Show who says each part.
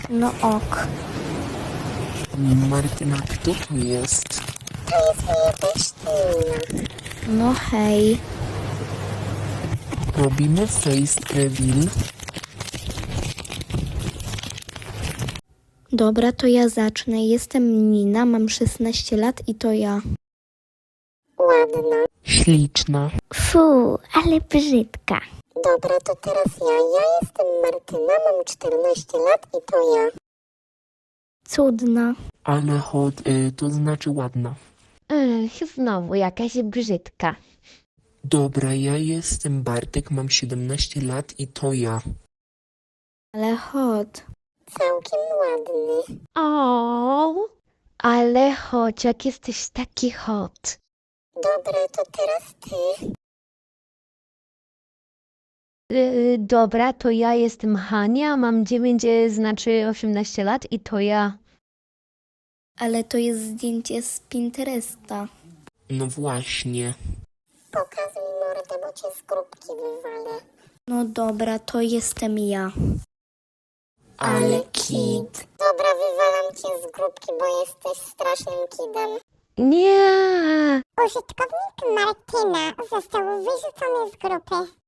Speaker 1: No ok.
Speaker 2: Martyna, kto to jest?
Speaker 3: To jest moja teścina.
Speaker 1: No hej.
Speaker 2: Robimy face reveal.
Speaker 1: Dobra, to ja zacznę. Jestem Nina, mam 16 lat i to ja.
Speaker 3: Ładna.
Speaker 2: Śliczna.
Speaker 1: Fu, ale brzydka.
Speaker 3: Dobra, to teraz ja. Ja jestem Martyna, mam 14 lat i to ja.
Speaker 1: Cudna.
Speaker 2: Ale hot, to znaczy ładna.
Speaker 4: Znowu jakaś brzydka.
Speaker 2: Dobra, ja jestem Bartek, mam 17 lat i to ja.
Speaker 1: Ale hot.
Speaker 3: Całkiem ładny.
Speaker 4: O, ale chodź, jak jesteś taki hot.
Speaker 3: Dobra, to teraz ty.
Speaker 4: Dobra, to ja jestem Hania, mam 9, znaczy 18 lat i to ja.
Speaker 1: Ale to jest zdjęcie z Pinteresta.
Speaker 2: No właśnie.
Speaker 3: Pokazuj mordę, bo cię z grupki wywalę.
Speaker 1: No dobra, to jestem ja.
Speaker 2: Ale
Speaker 1: kid.
Speaker 3: Dobra, wywalam cię z grupki, bo jesteś strasznym kidem.
Speaker 4: Nie!
Speaker 3: Użytkownik Martyna został wyrzucony z grupy.